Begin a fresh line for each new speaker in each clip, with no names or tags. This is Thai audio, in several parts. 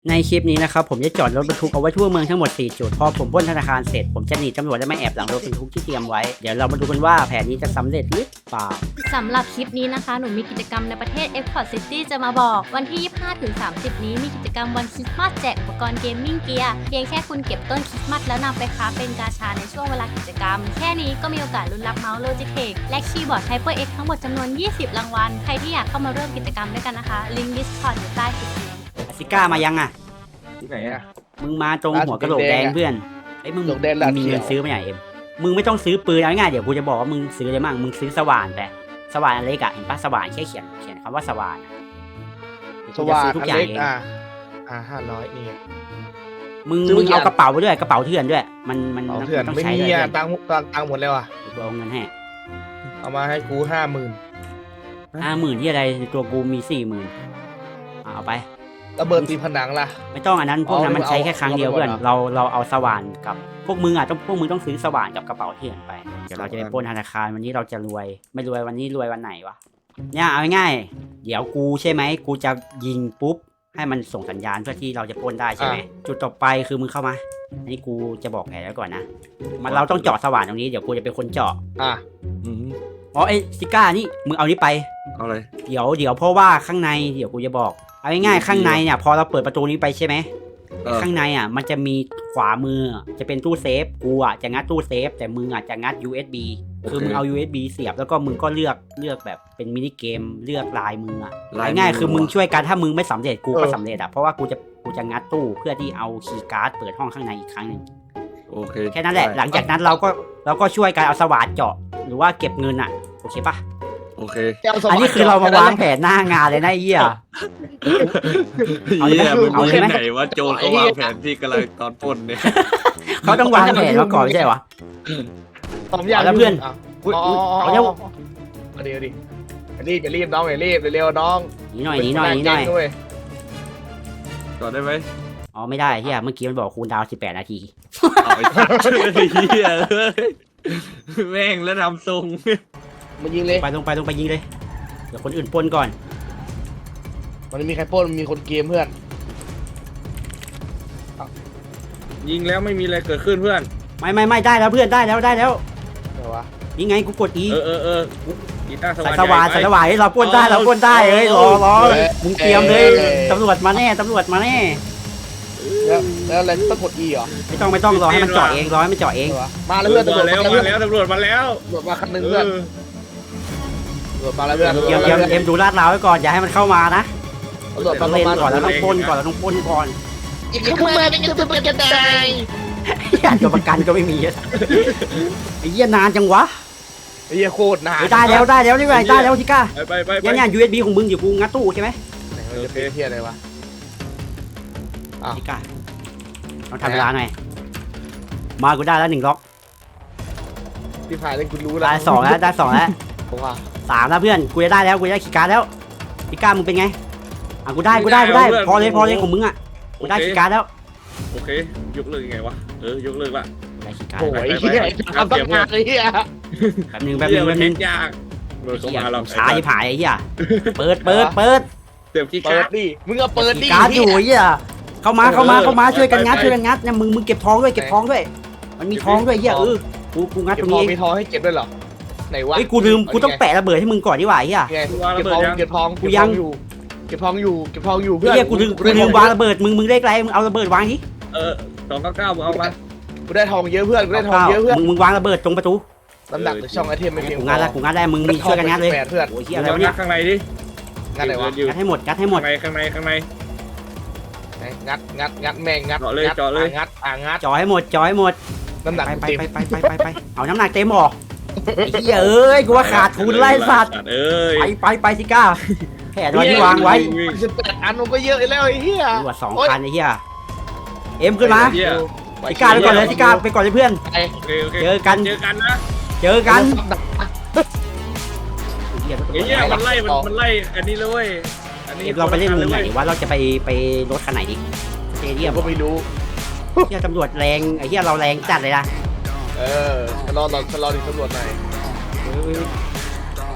ในคลิปนี้นะครับผมจะจอดรถบรรทุกเอาไว้ทั่วเมืองทั้งหมด4จุดพอผมปล้นธนาคารเสร็จผมจะหนีตำรวจและมาแอบหลังรถบรรทุกที่เตรียมไว้เดี๋ยวเรามาดูกันว่าแผนนี้จะสำเร็จหรือเปล่า
สำหรับคลิปนี้นะคะหนูมีกิจกรรมในประเทศ Epcot City จะมาบอกวันที่ 25-30 นี้มีกิจกรรมวันคริสต์มาสแจกอุปกรณ์เกมมิ่งเกียร์เพียงแค่คุณเก็บต้นคริสต์มาสแล้วนำไปค้าเป็นกาชาในช่วงเวลากิจกรรมแค่นี้ก็มีโอกาสลุ้นรับเมาส์ Logitech และคีย์บอร์ด HyperX ทั้งหมดจำนวน20รางวัลใครที่อยากเข้ามาร่วมกิจกรรมด้วยกันนะคะลิงก์ Discord อยู่ใต้คลิปนี้
อาซิก้ามายังอ่ะ
ที่ไหนอ่ะ
มึงมาตรงหัวกระโหลกแดงเพื่อนไอ้มึงมีเงินซื้อไหมเอ็มมึงไม่ต้องซื้อปืนเอาง่ายเดี๋ยวกูจะบอกว่ามึงซื้ออะไรมั่งมึงซื้อสว่านแต่สว่านอันเล็กอะเห็นปะสว่านแค่เขียนคำว่าสว่าน
สว่านอันเล็ก500นี่
มึงเอากระเป๋าไปด้วยกระเป๋าเถื่อนด้วยมัน
เถื่อนไม่มีอ่ะตังค์หมดแล้วอ่ะ
กูเอาเงินให้
เอามาให้กู
50,000ที่อะไรตัวกูมี40,000เอาไประ
เบิดตีผนังล่ะ
ไม่ต้องอันนั้นพวกนั้นมันใช้แค่ครั้งเดียวเพื่อนเราเอาสว่านกับพวกมึงอ่ะพวกมึงต้องซื้อสว่านกับกระเป๋าเถื่อนไปเดี๋ยวเราจะไปปล้นธนาคารวันนี้เราจะรวยไม่รวยวันนี้รวยวันไหนวะเนี่ยเอาง่ายเดี๋ยวกูใช่ไหมกูจะยิงปุ๊บให้มันส่งสัญญาณเพื่อที่เราจะปล้นได้ใช่ไหมจุดต่อไปคือมึงเข้ามาอันนี้กูจะบอกแผนไว้ก่อนนะมันเราต้องเจาะสว่านตรงนี้เดี๋ยวกูจะเป็นคนเจาะอ๋อไอ้ซิก้านี่มึงเอานี้ไป
เอาเลย
เดี๋ยวเพราะว่าข้างในเดี๋ยวกูจะบอกเอาง่ายๆข้างในเนี่ยพอเราเปิดประตูนี้ไปใช่ไหมข้างในอ่ะมันจะมีขวามือจะเป็นตู้เซฟกูอ่ะจะงัดตู้เซฟแต่มึงอ่ะจะงัด USB คือมึงเอา USB เสียบแล้วก็มึงก็เลือกแบบเป็นมินิเกมเลือกลายมืออ่ะง่ายๆคือมึงช่วยกันถ้ามึงไม่สำเร็จกูก็สำเร็จอ่ะเพราะว่ากูจะงัดตู้เพื่อที่เอาคีย์การ์ดเปิดห้องข้างในอีกครั้งนึง
โอเค
แค่นั้นแหละหลังจากนั้นเราก็ช่วยกันเอาสว่านเจาะหรือว่าเก็บเงินอ่ะโอเคปะ
โอเค
อันนี้คือเรามาวางแผนหน้างานเลยนะเหี้ย
เอาเลยไหนว่าโจรเขาวางแผนที่กำลังตอนปล้นเนี่ย
เขาต้องวางแผนมาก่อนไม่ใช่หรอ
ผมอยาก
แล้วเพื่อน
เอาเร็วเดี๋ยวดิรีบน้องอย่ารีบเร็วน้อง
หนีหน่อย
จอดได้ไหม
อ๋อไม่ได้เหี้ยเมื่อกี้มันบอกคูลดาวน์18 นาที
เหี้ยแม่งแล้วทำทรงมายิงเลย
ไปลงไปยิงเลยเดี๋ยวคนอื่นปล้นก่อน
มันไม่มีใครปล้นมันมีคนเกมเพื่อนยิงแล้วไม่มีอะไรเกิดขึ้นเพื่อน
ไม่ได้แล้วเพื่อนได้แล้ว
อะไรวะ
นี่ไงกูกดอี
ใส่สว่าน
ให้เราปล้นได้เอ้ยรอมึงเตรียมเลยตำรวจมาแน่
แล้วอะไรต้องกดอีเหรอ
ไม่ต้องรอให้มันเจาะเอง
มาแล้วเพื่อนตำรวจมาแล้วมาคันนึงเพื่อนมาแล้วเพื่อน
เอ็มดูลาดราวไว้ก่อนอย่าให้มันเข้ามานะต้องเล่นก่อนแล้วต้องปล้นก่อน
อีกขึ้นมาจะเป็นจะได้
ตัวประกันก็ไม่มีไอ้เหี้ยนานจังวะ
ไอ้เหี้ยโคตรนาน
ได้แล้วนี่ไงได้แล้วทิก้า
ไป
เนี่ย USB ของมึงอยู่กูงัดตู้ใช่ไหม
โอเคเพี้ยอะไรวะ
ทิก้าต้องทำเวลาหน่อยมากูได้แล้ว1ล็อก
ที่ผ่านเลยกูรู้แล้ว
ได้2แล้ว3แล้วเพื่อนกูจะได้แล้วกูจะได้คีย์การ์ดแล้วทิก้ามึงเป็นไงกูได้พอเลยของมึงอ่ะกูได้คีย์การ์ดแล้ว
โอเคยกเลิกยังไงวะยกเลิกละ
ได้คีย์การ์ด
โอ้ยเหี้ยทำตั้งนานเลยเหี้ย
แป๊บนึง
ยาก
ช้าที่ผายไอ้เหี้ยเปิด
เต็มที่การ์ดดิมึงก็เปิดดิ
การ์ดอยู่ไอ้เหี้ยเข้ามาช่วยกันงัดเนี่ยมึงเก็บทองด้วยมันมีทองด้วยเหี้ยกูงัดตรงนี้
มีทองให้เก็บด้วยเหรอไหนวะ
กูลืมกูต้องแปะระเบิดให้มึงก่อนดีกว่าไอ้เหี้ย
เก็บทองกูยังเก็บทองอยู่เพื่อน
กูลืมวางระเบิดมึงเลขไรมึงเอาระเบิดวางดิ
299มึงเอามากูได้ทองเยอะเพื่อน
มึงวางระเบิดตรงประตู
น้ำหนักหรือช่องไอเทมไม่เพียง
กูงัดได้มึงช่วยกันงัดเลย
เพื่อน
โอ้ยเหี้ยอะไรวะเนี่ย
ข้างในดิงัดอะไรวะ
งัดให้หมด
ข้างในงัดแม่งงัด
เจาะเลย
งัด
จ่อให้หมด
น้ำหนัก
ไปเอาน้ำหนักเต็มหรอไอ้เหี้ยเอ้ยกูว่าขาดทุนไล่สัตว์ไปสิก้าแค่ที่วางไว้
18 อันมันก็เยอะแล้วไอ้เหี้ย
ดูว่า2,000ไอ้เหี้ยเอ็มขึ้นมาสิก้าไปก่อนเลยสิก้าไปก่อนเลยเพื่อนเจอกัน
นะ
เหี้
ยมันไล่อันนี้เลยอันนี้
เราไปเล่นมุมไหนว่าเราจะไปรถคันไหนดิสเตเดียม
ก็ไม่รู้
เหี้ยตำรวจแรงไอ้เหี้ยเราแรงจัดเลยนะ
รอดิตำรวจหน่อย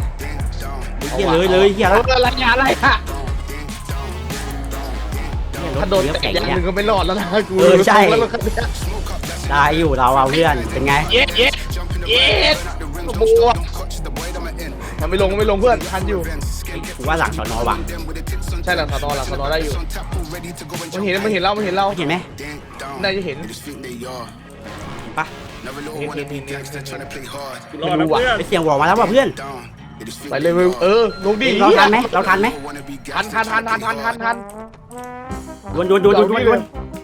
เหี้ยเลยเหี้ยแล้ว
อะไรอะ
เ
ถ้าโดนแต่อย่างหนึ่งก็ไม่รอดแล้วนะกู
ใช่
แล้วรถคันเนี้ย
ได้อยู่เราเอาเพื่อนเป็นไง
เย็ดบัวมันไม่ลงเพื่อนทันอยู่
กูว่าหลังสอนอว่ะ
ใช่หลังสนอได้อยู่มันเห็นเรา
เห็นไหม
น่าจะเห็น
เห็นปะ
รอดนะเพื่อน
ไปเสียงวอลมาแล้วว่ะเพื่อน
ไปเลยลงดิ
เราทันไหมทัน ดวน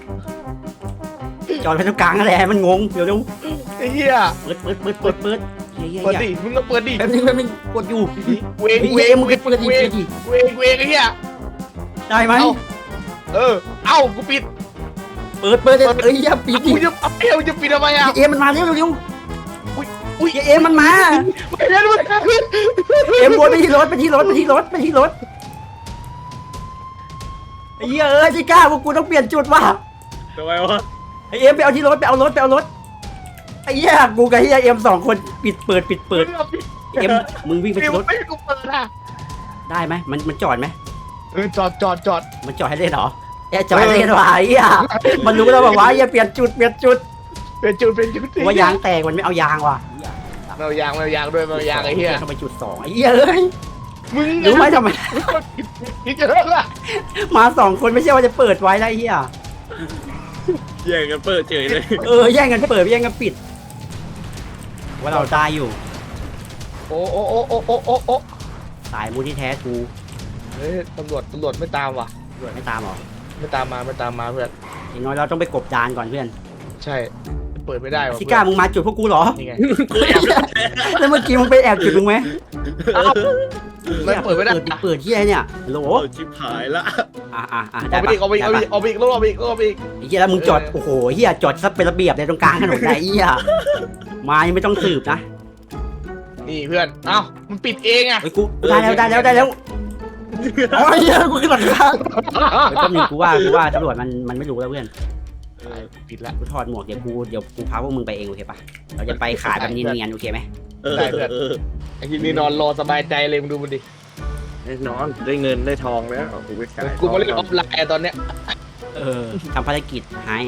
จอดไปตรงกลางนั่นแหละมันงงเดี๋ยว
ไอ้เหี้ย
เปิดเฮีย
เปิดดิมึงก็เปิดดิ
แป๊บนึงกดอยู่
เวง
มึงเปิดดิ
เวงไอ้เหี้ย
ได้ไหม
เอ้ากูปิด
เปิดอย่าปิดดิ
กูจะปิดทำไมอ่ะ
เอมันมาเร็วเอมันมา
ไม่ได้ด้วย
เอ็มวนไปที่รถไอ้เหี้ยที่กล้าพวกกูต้องเปลี่ยนจุดว่ะ
ทำไมวะ
ไอเอ็มไปเอาที่รถไปเอารถไอ้เหี้ยกูกับเหี้ยเอ็ม2คนปิดเปิดเอ็มมึงวิ่งไปที่รถ
ไม่กูเปิดอ่ะ
ได้ไหมมันจอดไหม
จอด
มันจอดให้เล่นเหรอจอดให้เล่นว่ะไอ้เหี้ยมันรู้แล้วบอกว่าไอ้เหี้ยเปลี่ยนจุด
เป็นจุด
ว่ายางแตกมันไม่เอายางว่ะ
ไม่เอายางด้วยไม่เอายางไอ้เหี้ย
ทำไมจุด2ไอ้เหี้ยเอ้ย
มึง
รู้ไหมทำไม
นี่จะเลิกละ
มา2คนไม่ใช่ว่าจะเปิดไว้นะไอ้เหี้ย
แย่งกันเปิดเฉยเลย
แย่งกันเปิดแย่งกันปิดว่าเราตายอยู่
โอ้
สายมูลที่แท้กู
เฮ้ยตำรวจไม่ตามว่ะ
ตำรวจไม่ตามหรอ
ไม่ตามมาเพื่อน
อย่างน้อยเราต้องไปกบดานก่อนเพื่อน
ใช่เปิดไม่ได้ว่ะ
ซิก้ามึงมาจุดพวกกูเหรอ
นี่ไง
แล้วเมื่อกี้มึงไปแอบจุดมึงไหม
ไม่เปิดไม่ได้
เปิดที่ไหนเนี่ยโหล
ชิบหายละ
ได้
เอาไป
ปะ
อีกเอาไปอีกรอบอีก
ไอ้เหี้ยแล้วมึงจอดโอ้โหเหี้ยจอดซะเป็นระเบียบเลยตรงกลางถนนไหนเหี้ยมายังไม่ต้องสืบนะ
นี่เพื่อนเอ้ามันปิดเองอ่ะ
ไอ้กูได้แล้วโอ้ยเหี้ยกูขึ้นหลังคาไอ้ต้นนึงกูว่าตำรวจมันไม่รู้แล้วเพื่อน
ปิดละ
กูถอดหมวกเดี๋ยวกูพาพวกมึงไปเองโอเคปะเราจะไปขายแบบเนียนๆโอเคไหม
ได้เพื่อนไอ้ที่นี่นอนรอสบายใจเลยมึงดูมันดิ
แน่นอนได้เงินได้ทองแล้วกูไปขาย
กูมาเล่นออฟไลน์ตอนเนี้ย
ทำภารกิจให้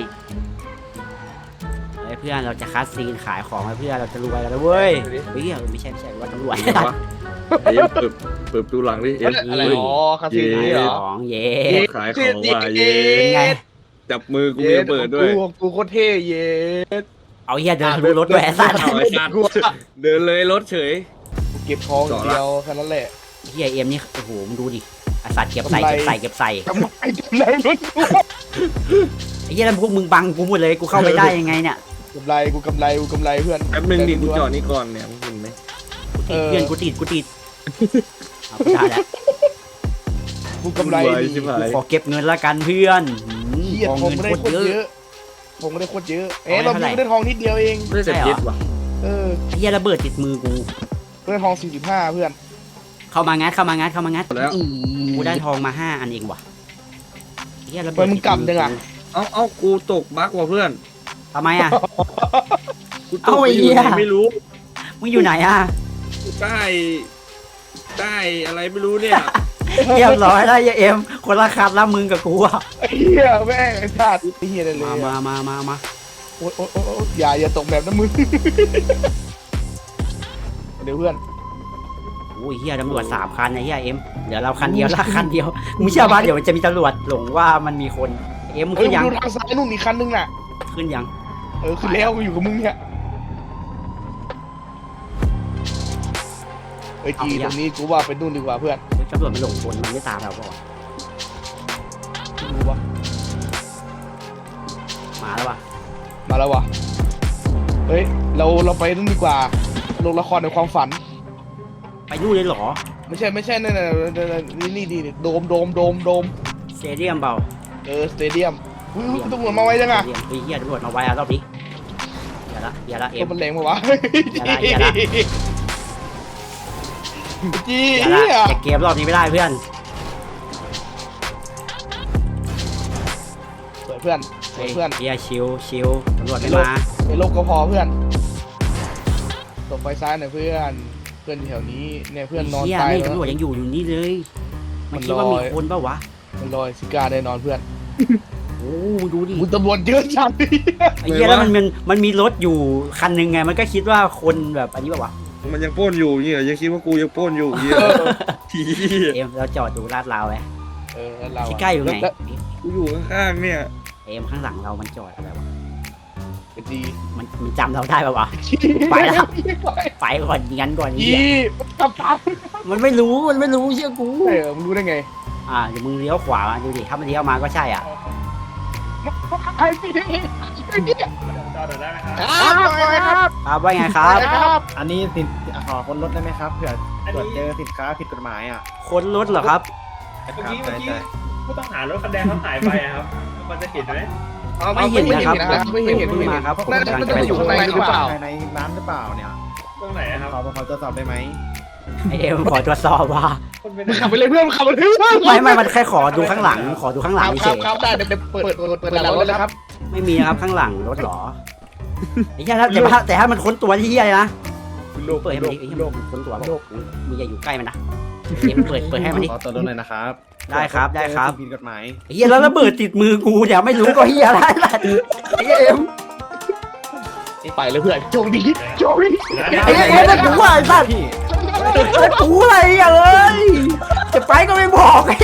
เพื่อนเราจะคัดซีนขายของให้เพื่อนเราจะรวยกันแล้วเว้ยเฮ้ยไม่ใช่ว่าตำรวจ
เอ็มเปิดดูหลังดิเอ็ม
อะไรอ๋อคาสิโนเหรอ
ของเย่
ขายของว่าเย็
เป็นไง
จับมือกูจะเปิดด้วย
กูโคตรเท่เย้
เอาเฮียเดินทะลุรถแหวนสัตว์
เอาไอ้สัตว์เดินเลยรถเฉย
เก็บทองเดียวแค่นั้นแหละ
เฮียเอ็มนี่โอ้โหมึงดูดิอาสัตว์เก็บใส่
ทำไม
เก็บใส่
ทำไมรถกู
ไอ้เฮียแล้วพวกมึงบังกูหมดเลยกูเข้าไปได้ยังไงเนี่ย
กำไรเพื่อน
แป๊บนึงดิกูจอดนี่ก่อนเนี่ยมึงเห็นไหม
เพื่อนกูติดเอาไปได้แล้ว
กูกำไร
ชิบหา
กู
ย
ขอเก็บเงินละกันเพื่อน
เฮีย
กอง
ทอง
เงิน
ไม่ได้
โค
โค
ต
ต
ร
ร
เย
เย
อะ
อะทองไม่ได้โคตรเยอะเราไม่ได้ทองนิดเดียวเอง
ไม่ได้แต่เย็ดว่ะ
เออ
ไอ้เฮียระเบิดติดมือกู
ได้ทอง45เพื่อน
เข้ามางัด
แล้ว
กูได้ทองมา5อันเองว่ะไอ้เฮียระเบิ
มั
ด
นมึงกลับยังอ่ะ
เอากูตกบั๊กว่ะเพื่อน
ทำไมอ่ะ
กูต
เอา
ก
ไอ้
ไปอ
เหี้
ยู่
ย
ไหนไม่รู้
มึงอยู่ไหนอ่ะ
ใต้อะไรไม่รู้เนี่ย
เรียบร้อยแล้วไอ้เอ็มคนละคันแล้วมึงกับกูอ่ะ
ไอ้เหี้ยแม่งไอ้สัตว์ไอ้เหี้ยเลย
มา
โอ๊ยอย่าตกแบบนั้นมึงเดี๋ยวเพื่อน
โอ้ยเฮียตำรวจ3 คันไอ้เฮียเอ็มเหลือเราคันเดียวละคันเดียวมึงเชื่อป่ะเดี๋ยวมันจะมีตำรวจหลงว่ามันมีคนเอ็มมึง
เฮ้ย
ขึ้นยัง
ดูทางซ้ายนู่นอีกคันนึงน่ะ
ขึ้นยัง
คือแล้วกูอยู่กับมึงเนี่ยเฮ้ยจีตรงนี้กูว่าไปนู่นดีกว่าเพื่อน
เฮ้ยตำรวจมันหลงคนมันไม่ตามเราเปล่าวะ
ดูวะ
มาแล้ววะ
มาแล้ววะเฮ้ยเราไปนู่นดีกว่าลงละครในความฝัน
ไปนู่นเลยเหรอ
ไม่ใช่นั่นนี่ดีโดม
สเตเดียมเปล่า
สเตเดียมตำรวจมาไว้ยังอ่ะ
เฮ้ยเฮียตำรวจมาไว้อะรอบนี้อย่าละเอ็
ตัว
ม
มันแรงปะวะ
อย่าละ
จี
อย่าเกมรอบนี้ไม่ได้เพื่อน
สวยเพื่อน
เฮียชิวตำรวจไม่มา
ในโลกก็พอเพื่อนตบไฟซ้ายหน่อยเพื่อนแถวนี้เนี่ยเพื่อนนอน
เฮีย
ตาย
นี่
แล้ว
ตำรวจยังอยู่นี่เลยมันคิดว่ามีคนเปล่าวะ
มันลอยซิกาได้นอนเพื่อน
โอ้ดูดิ
คุณตำรวจเยอะจัง
ไอ้เหี้ยแล้วมันมีรถอยู่คันหนึ่งไงมันก็คิดว่าคนแบบอันนี้แบบว่า
มันยังปล้นอยู่เงี้ยยังคิดว่ากูยังปล้นอยู่เงี้ยที
เอ็มเราจอดดูลาดราวไว้
เรา
ที่ใกล้อยู่ไหน
กูอยู่ข้างๆเนี่ย
เอ็มข้างหลังเรามันจอดอะไรวะ
ดี
มันจำเราได้ป่าวะ ไปแล้ว ไปก่อนงั้นก่อนไอ้
อี
เหี้ย
ตับตับ
มันไม่รู้เชื่อกู
มึงรู้ได้ไง
เดี๋ยวมึงเลี้ยวขวามาดูดิถ้ามันเลี้ยวมาก็ใช่อ่ะ
ไอ้พี่ครับ
ครับว่าไงครับ
ครับ
อันนี้ขอค้นรถได้ไหมครับเผื่อตรวจเจอสินค้าผิดกฎหมายอ่ะ
ค้นรถเหรอครับ
ครั
เมื่อกี้
ใช่
ผู้ต้องหารถคันแดงเขาหายไปอะครับมันจะเห็นไหม
ไม่เห็นนะครับ
ไม่เห็น
เพิ่งมาครับผม
น่าจะ
กำลังจะไป
อยู่ข้างในหรือเปล่า
ภายในร้านหรือเปล่าเนี่ย
ตรงไหนอะครับ
เขาตรวจสอบได้ไหม
ไอเอ็มขอตรวจสอบว่า
คนเป็น
ขับไปเลยเพื่อนขับไปเลยเพื่อน
ไม่มันแค่ขอดูข้างหลังขอดูข้างหลังเฉย
ครับได้เดี๋ยวเปิดหลังรถเลยครับ
ไม่มีนะครับข้างหลังรถเหรอไอ้เหี้ยแต่ถ้ามันค้นตัวที่เหี้ยเลยนะเปิดให้มันดิไอ้เหี้ยมันค้นตัวบอกมึงอย่าอยู่ใกล้มันนะเอ็มเปิดให้มันดิ
ขอตัวรถเลยนะครับ
ได้ครับ
เจอสิ่งผิดกฎหมาย
ไอ้เหี้ยแล้วระเบิดติดมือกูเนี่ยไม่รู้ก็เหี้ยอะไรล่ะไอ้เหี้ยเอ็ม
ไปเลยเพื่อนโชคดีโชคดี
ไอ้เหี้ยเอ็มแล้วกูว่าไอ้สัตว์
พี่
แล้วกูอะไรอ่ะเอ้ยจะไปก็ไม่บอกไอ้